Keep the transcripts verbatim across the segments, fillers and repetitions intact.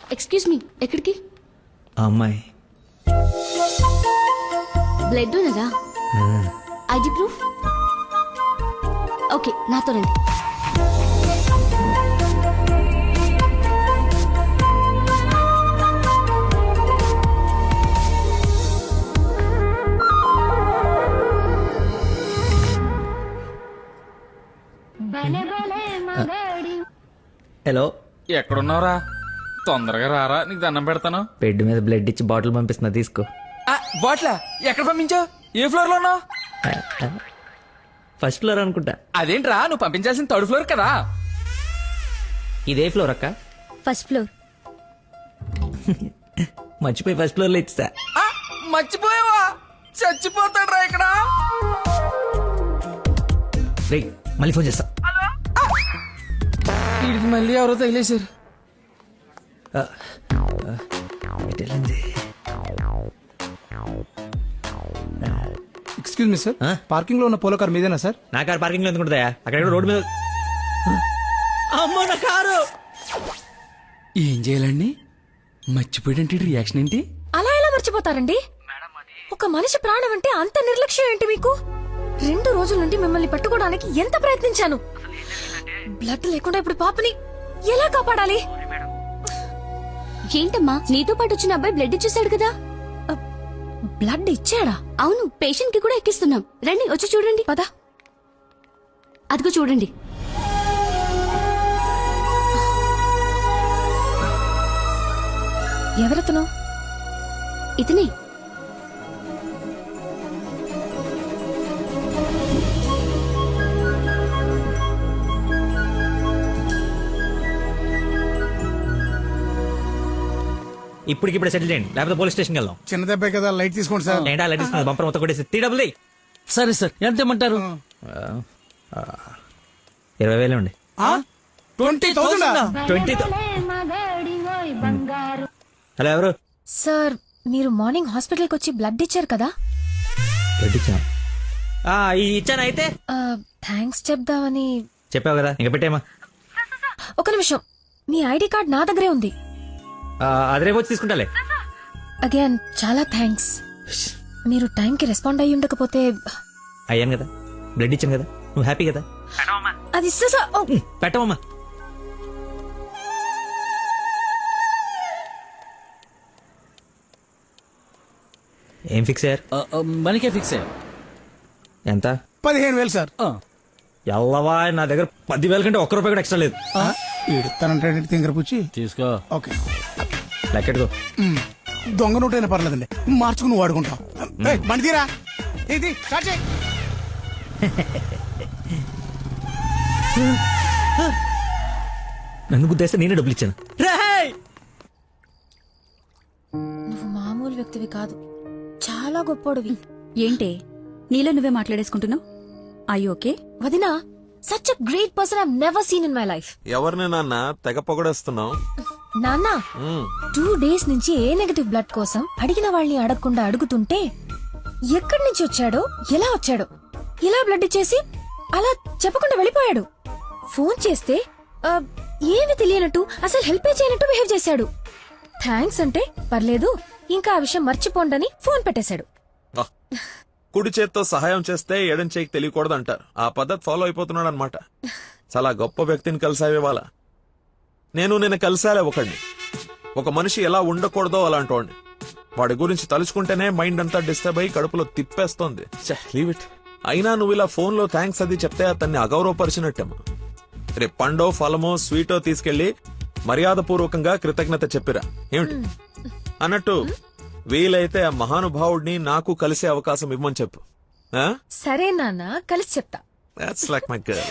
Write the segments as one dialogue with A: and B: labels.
A: Excuse me, ఎక్కడికి?
B: అమ్మాయి
A: blood ఉన్నదా? ID proof? ఓకే, నాతో రండి.
B: హలో,
C: ఎక్కడున్నావురా? తొందరగా రారా, నీకు దండం పెడతాను.
B: బెడ్ మీద బ్లడ్ ఇచ్చి బాటిల్ పంపిస్తున్నా, తీసుకో.
C: బాట్లా ఎక్కడ పంపించావు? ఏ ఫ్లోర్ లో ఉన్నావు?
B: ఫస్ట్ ఫ్లోర్ అనుకుంటా.
C: అదేంట్రా, నువ్వు పంపించాల్సిన థర్డ్ ఫ్లోర్ కదా.
B: ఇదే ఫ్లోర్ అక్క?
A: First floor.
B: మర్చిపోయి ఫస్ట్ ఫ్లోర్ లో ఇచ్చా.
C: ఆ, మర్చిపోయావా? చచ్చిపోతాడ్రా ఇక్కడ.
B: రే, మళ్ళీ ఫోన్ చేస్తా.
C: వీడికి మళ్ళీ ఎవరో తగిలేశారు.
D: ఎక్స్క్యూజ్ మీ సార్, పార్కింగ్ లో ఉన్న పోలో కార్ మీదేనా సార్?
B: నా కారు పార్కింగ్ లో ఎందుకుంటుందా? అక్కడ రోడ్డు మీద. అమ్మో, నా కారు!
C: ఏం చేయాలండి? మర్చిపోయాడంటే రియాక్షన్ ఏంటి?
E: అలా ఎలా మర్చిపోతారండి? ఒక మనిషి ప్రాణం అంటే అంత నిర్లక్ష్యం ఏంటి మీకు? రెండు రోజుల నుండి మిమ్మల్ని పట్టుకోవడానికి ఎంత ప్రయత్నించాను. బ్లడ్ లేకుండా ఇప్పుడు పాపని ఎలా కాపాడాలి?
A: ఏంటమ్మా, నీతో పాటు వచ్చిన అబ్బాయి బ్లడ్ ఇచ్చేసాడు కదా?
E: బ్లడ్ ఇచ్చాడా?
A: అవును, పేషెంట్ కి కూడా ఎక్కిస్తున్నాం. రండి, వచ్చి చూడండి.
E: పద.
A: అదిగో చూడండి.
E: ఎవరతను?
A: ఇతనే.
B: ఇప్పటికిప్పుడు సెటిల్ చేయండి, లేకపోతే పోలీస్ స్టేషన్కి వెళ్దాం.
D: చిన్న దెబ్బే కదా, లైట్ తీసుకోండి సార్.
B: ఏంటా లైట్ తీసుకున్నది? బంపర్ మొత్తం కొట్టేసి త్రీ డబుల్
C: సరే సార్, ఎంత ఇమ్మంటారు?
B: ఇరవై వేలు అండి.
D: Twenty thousand
B: twenty. హలో, ఎవరు?
E: సార్, మీరు మార్నింగ్ హాస్పిటల్ కి వచ్చి బ్లడ్ ఇచ్చారు కదా?
B: బ్లడ్ ఇచ్చాను. ఇచ్చాను. అయితే
E: థ్యాంక్స్ చెప్దామని.
B: చెప్పావు కదా, ఇంకా పెట్టేమా.
E: ఒక నిమిషం, మీ ఐడి కార్డ్ నా దగ్గరే ఉంది.
B: అది రేపు వచ్చి తీసుకుంటాలే.
E: అగైన్ చాలా థ్యాంక్స్. మీరు టైంకి రెస్పాండ్ అయ్యి ఉండకపోతే.
B: అయ్యాను కదా, బ్లడ్ ఇచ్చాను కదా, నువ్వు హ్యాపీ కదా.
E: అది ఇస్తే సార్. ఓ,
B: పెట్టవమ్మా. ఏం ఫిక్స్ అయ్యారు?
C: మనకే ఫిక్స్ అయ్యా.
B: ఎంత?
D: పదిహేను వేలు సార్.
B: ఎల్లవా, నా దగ్గర పదివేల కంటే ఒక్క రూపాయి కూడా ఎక్స్ట్రా లేదు.
D: ఇడతానంటే తింగర పుచ్చి
C: తీసుకో.
D: ఓకే,
B: లెక్కెట్టుకో.
D: దొంగ నోటైనా పర్లేదండి, మార్చుకుని నువ్వు వాడుకుంటావు. బండి తీరా, ఇది స్టార్ట్ చేయి.
B: నన్ను గుద్దేస్తే నేనే డబ్బులు ఇచ్చాను.
E: నువ్వు మామూలు వ్యక్తివి కాదు, చాలా గొప్పోడివి.
F: ఏంటే నీలో నువ్వే మాట్లాడేసుకుంటున్నావు? I okay?
E: వదినా, such a great person I never seen in my life.
G: ఎవరిని నాన్న తెగ పొగడేస్తున్నావు?
E: నాన్న, టూ డేస్ నుంచి ఏ నెగటివ్ బ్లడ్ కోసం అడిగిన వాళ్ళని అడగకుండా అడుగుతుంటే ఎక్కడి నుంచి వచ్చాడో, ఎలా వచ్చాడో, ఇలా బ్లడ్ ఇచ్చేసి అలా చెప్పకుండా వెళ్ళిపోయాడు. ఫోన్ చేస్తే ఆ, ఏమి తెలియనట్టు, అసలు హెల్ప్ చేయనట్టు బిహేవ్ చేశాడు. థ్యాంక్స్ అంటే పర్లేదు, ఇంకా ఆ విషయం మర్చిపోండని ఫోన్ పెట్టేశాడు.
G: కుడి చేత్తో సహాయం చేస్తే ఎడం చేయికి తెలియకూడదు అంటారు. ఆ పద్ధతి ఫాలో అయిపోతున్నాడు అనమాట. చాలా గొప్ప వ్యక్తిని కలిసావే వాళ్ళ. నేను నిన్న కలిసాలే ఒకడిని. ఒక మనిషి ఎలా ఉండకూడదో అలాంటి వాడిని. వాడి గురించి తలుచుకుంటేనే మైండ్ అంతా డిస్టర్బ్ అయ్యి కడుపులో తిప్పేస్తోంది. Leave it. అయినా నువ్వు ఇలా ఫోన్ లో థ్యాంక్స్ అది చెప్తే అతన్ని అగౌరవపరిచినట్టేమో. రేపు పండో ఫలమో స్వీటో తీసుకెళ్లి మర్యాద పూర్వకంగా కృతజ్ఞత చెప్పిరా. ఏమిటి అన్నట్టు వీలైతే ఆ మహానుభావుడిని నాకు కలిసే అవకాశం ఇవ్వమని చెప్పు.
E: సరే నాన్న, కలిసి చెప్తా.
G: That's like my girl.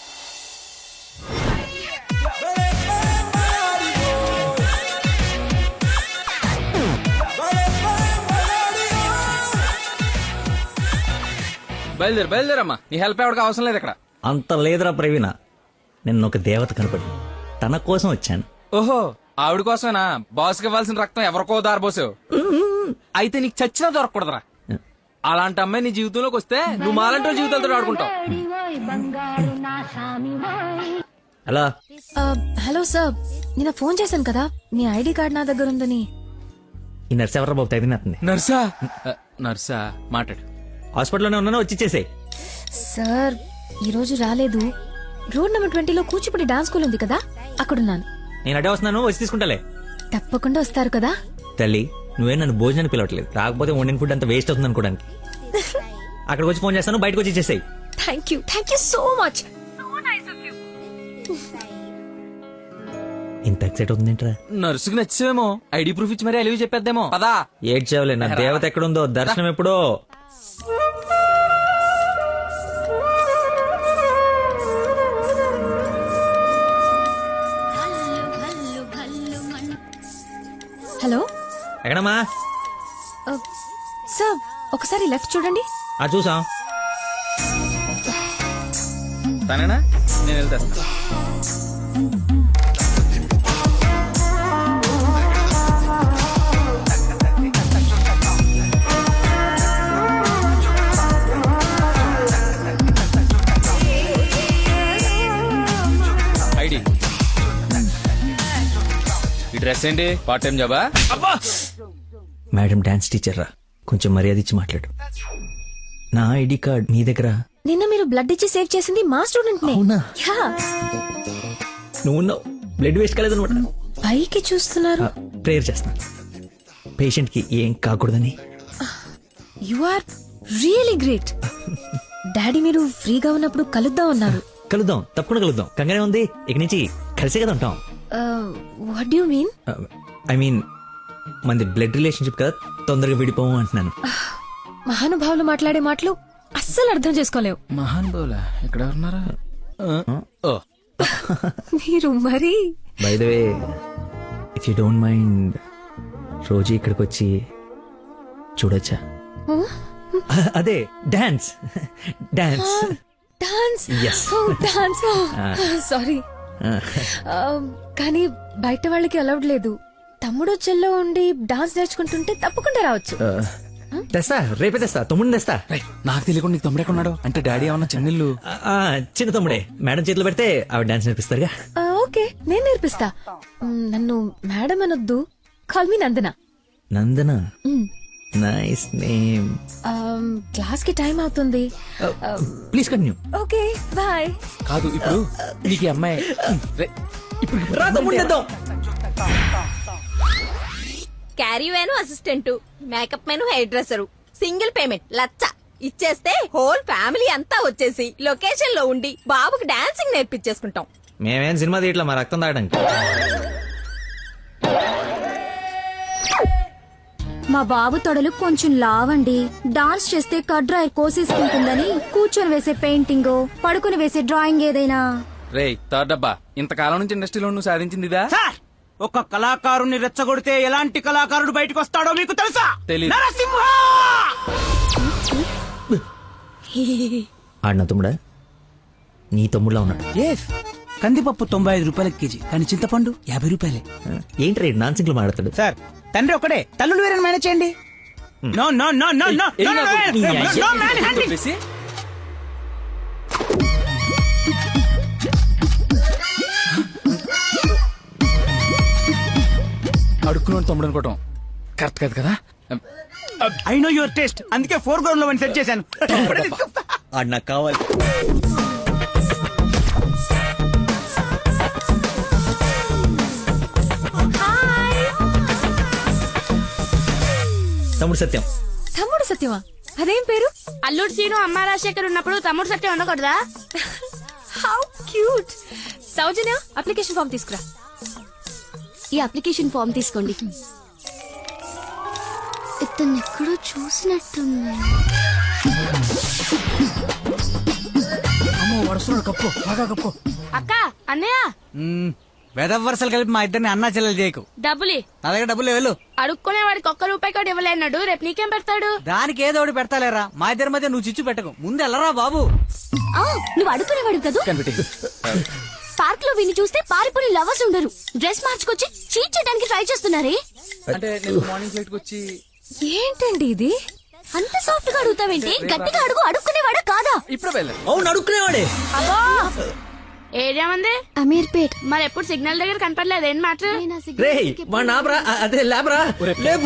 C: బయలుదేరు బయలుదేరమ్మా, నీ హెల్ప్ ఎవరికి అవసరం లేదు ఇక్కడ.
B: అంత లేదురా ప్రవీణ, నిన్న ఒక దేవత కనపడి తన కోసం వచ్చాను.
C: ఓహో, ఆవిడ కోసమేనా? బాస్కి ఇవ్వాల్సిన రక్తం ఎవరికో దారబోసావు. అయితే నీకు చచ్చినా దొరకకూడదురా. అలాంటి అమ్మాయి నీ జీవితంలోకి వస్తే నువ్వు మాలంటి జీవితాలతో ఆడుకుంటావు.
B: హలో
E: ఆ, హలో సార్ నిన్న ఫోన్ చేశాను కదా మీ ఐడి కార్డ్ నా దగ్గర ఉందని.
B: ఈ నర్స్ ఎవరు బాబు తగినట్టుంది.
C: నర్సా ఆ, నర్సా మాట్లాడు.
B: హాస్పిటల్లోనే ఉన్నాను, వచ్చి ఇచ్చేసేయ్.
E: సార్ ఈ రోజు రాలేదు. రోడ్ నెంబర్ ట్వంటీలో కూచిపూడి డాన్స్ స్కూల్ ఉంది కదా, అక్కడున్నాను.
B: నేను అడే వస్తున్నాను, వచ్చి తీసుకుంటాలే.
E: తప్పకుండా వస్తారు కదా.
B: తల్లి నువ్వే నన్ను భోజనాన్ని పిలవట్లేదు, రాకపోతే వండిన ఫుడ్ అంత వేస్ట్ అవుతుంది అనుకోడానికి. అక్కడికి వచ్చి ఫోన్ చేస్తాను, బయటకు వచ్చి ఇచ్చేసేయ్.
E: Thank you thank you so much.
B: ఇంత ఎక్సైట్ అవుతుంది ఏంట్రా?
C: నర్సుకి నచ్చేమో ఐడి ప్రూఫ్ ఇచ్చి మరీ అలివి చెప్పేద్దేమో పదా.
B: ఏడ్చావులే, నా దేవత ఎక్కడుందో దర్శనం ఎప్పుడో.
E: హలో
B: ఎక్కడమ్మా?
E: సార్ ఒకసారి లెఫ్ట్ చూడండి.
B: ఆ చూసాం.
C: తనేనా? నేను వెళ్తా. ఐడి ఈ డ్రెస్ ఏంటి? పార్ట్ టైం జాబా?
B: మేడం డాన్స్ టీచర్ రా, కొంచెం మర్యాద ఇచ్చి మాట్లాడు. నా ఐడి కార్డ్ నీ దగ్గర.
E: నిన్న మీరు బ్లడ్ ఇచ్చి సేవ్ చేసింది మా స్టూడెంట్ నే.
B: అవునా?
E: యా.
B: నువ్వు ఉన్నావు, బ్లడ్ వేస్ట్ కాలేదు అనమాట.
E: పైకి చూస్తున్నారు.
B: ప్రేయర్ చేస్తా పేషెంట్ కి ఏం కాకూడదని.
E: You are really great. Daddy మీరు ఫ్రీగా ఉన్నప్పుడు కలుద్దాం అన్నారు.
B: కలుద్దాం, తప్పకుండా కలుద్దాం. కంగానే ఉంది, ఇక నుంచి కలిసే కదా ఉంటాం.
E: What do you mean?
B: I mean మనది బ్లడ్ రిలేషన్షిప్ కదా, తొందరగా విడిపోము అంటున్నాను.
E: మహానుభావులు మాట్లాడే మాటలు అస్సలు అర్థం చేసుకోలేవు.
C: మహాన్ బౌలా ఎక్కడ ఉన్నారా? ఓ
E: మీరు మరి
B: by the way, if you don't mind, రోజు ఇక్కడికి వచ్చి చూడొచ్చా? అదే dance dance
E: dance.
B: Yes.
E: Dance. Sorry కానీ బయట వాళ్ళకి అలౌడ్ లేదు. తమ్ముడు చెల్లో ఉండి డాన్స్ నేర్చుకుంటుంటే తప్పకుండా రావచ్చు.
B: తెస్తా, రేపే తెస్తా, తమ్ముడిని తెస్తా.
C: రేయ్, నాకు తెలియకుండా నీకు తమ్ముడు ఎక్కడున్నాడు? అంటే డాడీ ఏమన్నా చెన్నెళ్ళు?
B: ఆ, ఆ, చిన్న తమ్ముడే, మేడం చేతిలో పెడితే ఆవిడ డాన్స్ నేర్పిస్తారుగా.
E: ఆ, ఓకే నేను నేర్పిస్తా. మ్, నన్ను మేడం అనొద్దు, call me Nandana.
B: Nandana,
E: hmm,
B: nice name.
E: Um, class కి టైం అవుతుంది.
B: Please continue.
E: Okay bye.
C: కాదు ఇప్పుడు నీకు ఈ అమ్మాయి రేయ్, ఇప్పుడు
B: రా తమ్ముడిని తెద్దాం.
H: Caravan assistant, makeup man hair dresser, single payment లచ్చ ఇచ్చేస్తే హోల్ ఫ్యామిలీ అంతా వచ్చేసి లొకేషన్ లో ఉండి బాబుకి డాన్సింగ్ నేర్పించేసుకుంటాం.
B: మేమేం సినిమా తీయట్లా, మా రక్తం తాగడానికి.
A: మా బాబు తొడలు కొంచెం లావండి. డాన్స్ చేస్తే కడ్రాయర్ కోసేసుకుంటుందని కూర్చొని వేసే పెయింటింగ్, పడుకుని వేసే డ్రాయింగ్ ఏదైనా.
C: రేయ్ థర్డ్ డబ్బా, ఇంతకాలం నుంచి ఇండస్ట్రీలో నువ్వు సాధించింది ఇదా?
I: సార్, ఒక కళాకారుని రెచ్చగొడితే ఎలాంటి కళాకారుడు బయటకు వస్తాడో మీకు తెలుసా?
C: తెలీదు.
I: నరసింహ!
B: ఆడిన తమ్ముడా? నీ తమ్ముడులా ఉన్నాడు.
I: ఎస్, కందిపప్పు తొంభై ఐదు రూపాయల కేజీ, కానీ చింతపండు యాభై రూపాయలే.
B: ఏంటి రేడు నాన్సింగ్ లో మాట్లాడతాడు?
I: సార్, తండ్రి ఒకడే, తల్లులు వేరే మేనేజ్ చేయండి. No no no no no
C: ఏయ్,
I: నో
C: నాకు
I: నో నో మ్యాన్ హ్యాండింగ్.
C: చెప్పేసి అడుక్కున్నాడు తమ్ముడు అనుకోవటం కరెక్ట్ కాదు కదా.
I: ఐ నో యువర్ టేస్ట్, అందుకే ఫోర్ గ్రౌండ్ లో సెట్ చేశాను.
B: ఆడు నాకు కావాలి. తమ్ముడు సత్యం.
E: తమ్ముడు సత్యమా? అదేం పేరు?
H: అల్లుడు సీను అమ్మ రాజశేఖర్ ఉన్నప్పుడు తమ్ముడు సత్యం ఉండకూడదా?
E: How cute. Soujanya, application form తీసుకురా.
A: ఈ అప్లికేషన్ ఫామ్ తీసుకోండి. ఇతను ఎక్కడో చూసినట్టుంది.
I: అమ్మో, వరుసలో కప్పు, బాగా కప్పు.
H: అక్క అన్నయ్య
I: వెదవ వరుసలు కలిపి మా ఇద్దరిని అన్నా చెల్లెలు చేయకు.
H: డబ్బులి
I: నా దగ్గర డబ్బులు వెళ్ళు.
H: అడుక్కునే వాడికి ఒక్క రూపాయి కూడా ఇవ్వలేనాడు, రేపు నీకేం పెడతాడు?
I: దానికి ఏదో ఒకటి పెడతాలేరా, మా ఇద్దరి మధ్య నువ్వు చిచ్చు పెట్టకు. ముందు వెళ్ళరా బాబు.
A: ఆ, నువ్వు అడుగునేవాడు కదా. పార్క్ లో విని చూస్తే పారిపోయి లవర్స్ ఉండరు. డ్రెస్ మార్చుకొచ్చి చీట్ చేయడానికి ట్రై చేస్తున్నారే.
C: అంటే నేను మార్నింగ్ ఫ్లైట్ కి వచ్చి
E: ఏంటండి ఇది?
A: అంత సాఫ్ట్ గా అడుగుతావేంటి? గట్టిగా అడుగు. అడుక్కునేవాడా కాదా?
C: ఇప్పుడు వెళ్ళాను.
B: అవును, అడుక్కునేవాడే.
H: అబ్బో
J: ఏరియా ఉంది
A: అమీర్పేట్
J: మరి ఎప్పుడు సిగ్నల్ దగ్గర కనపడలేదు ఏం మాట
B: రే వాడిని ఆపరా అదే లేబరా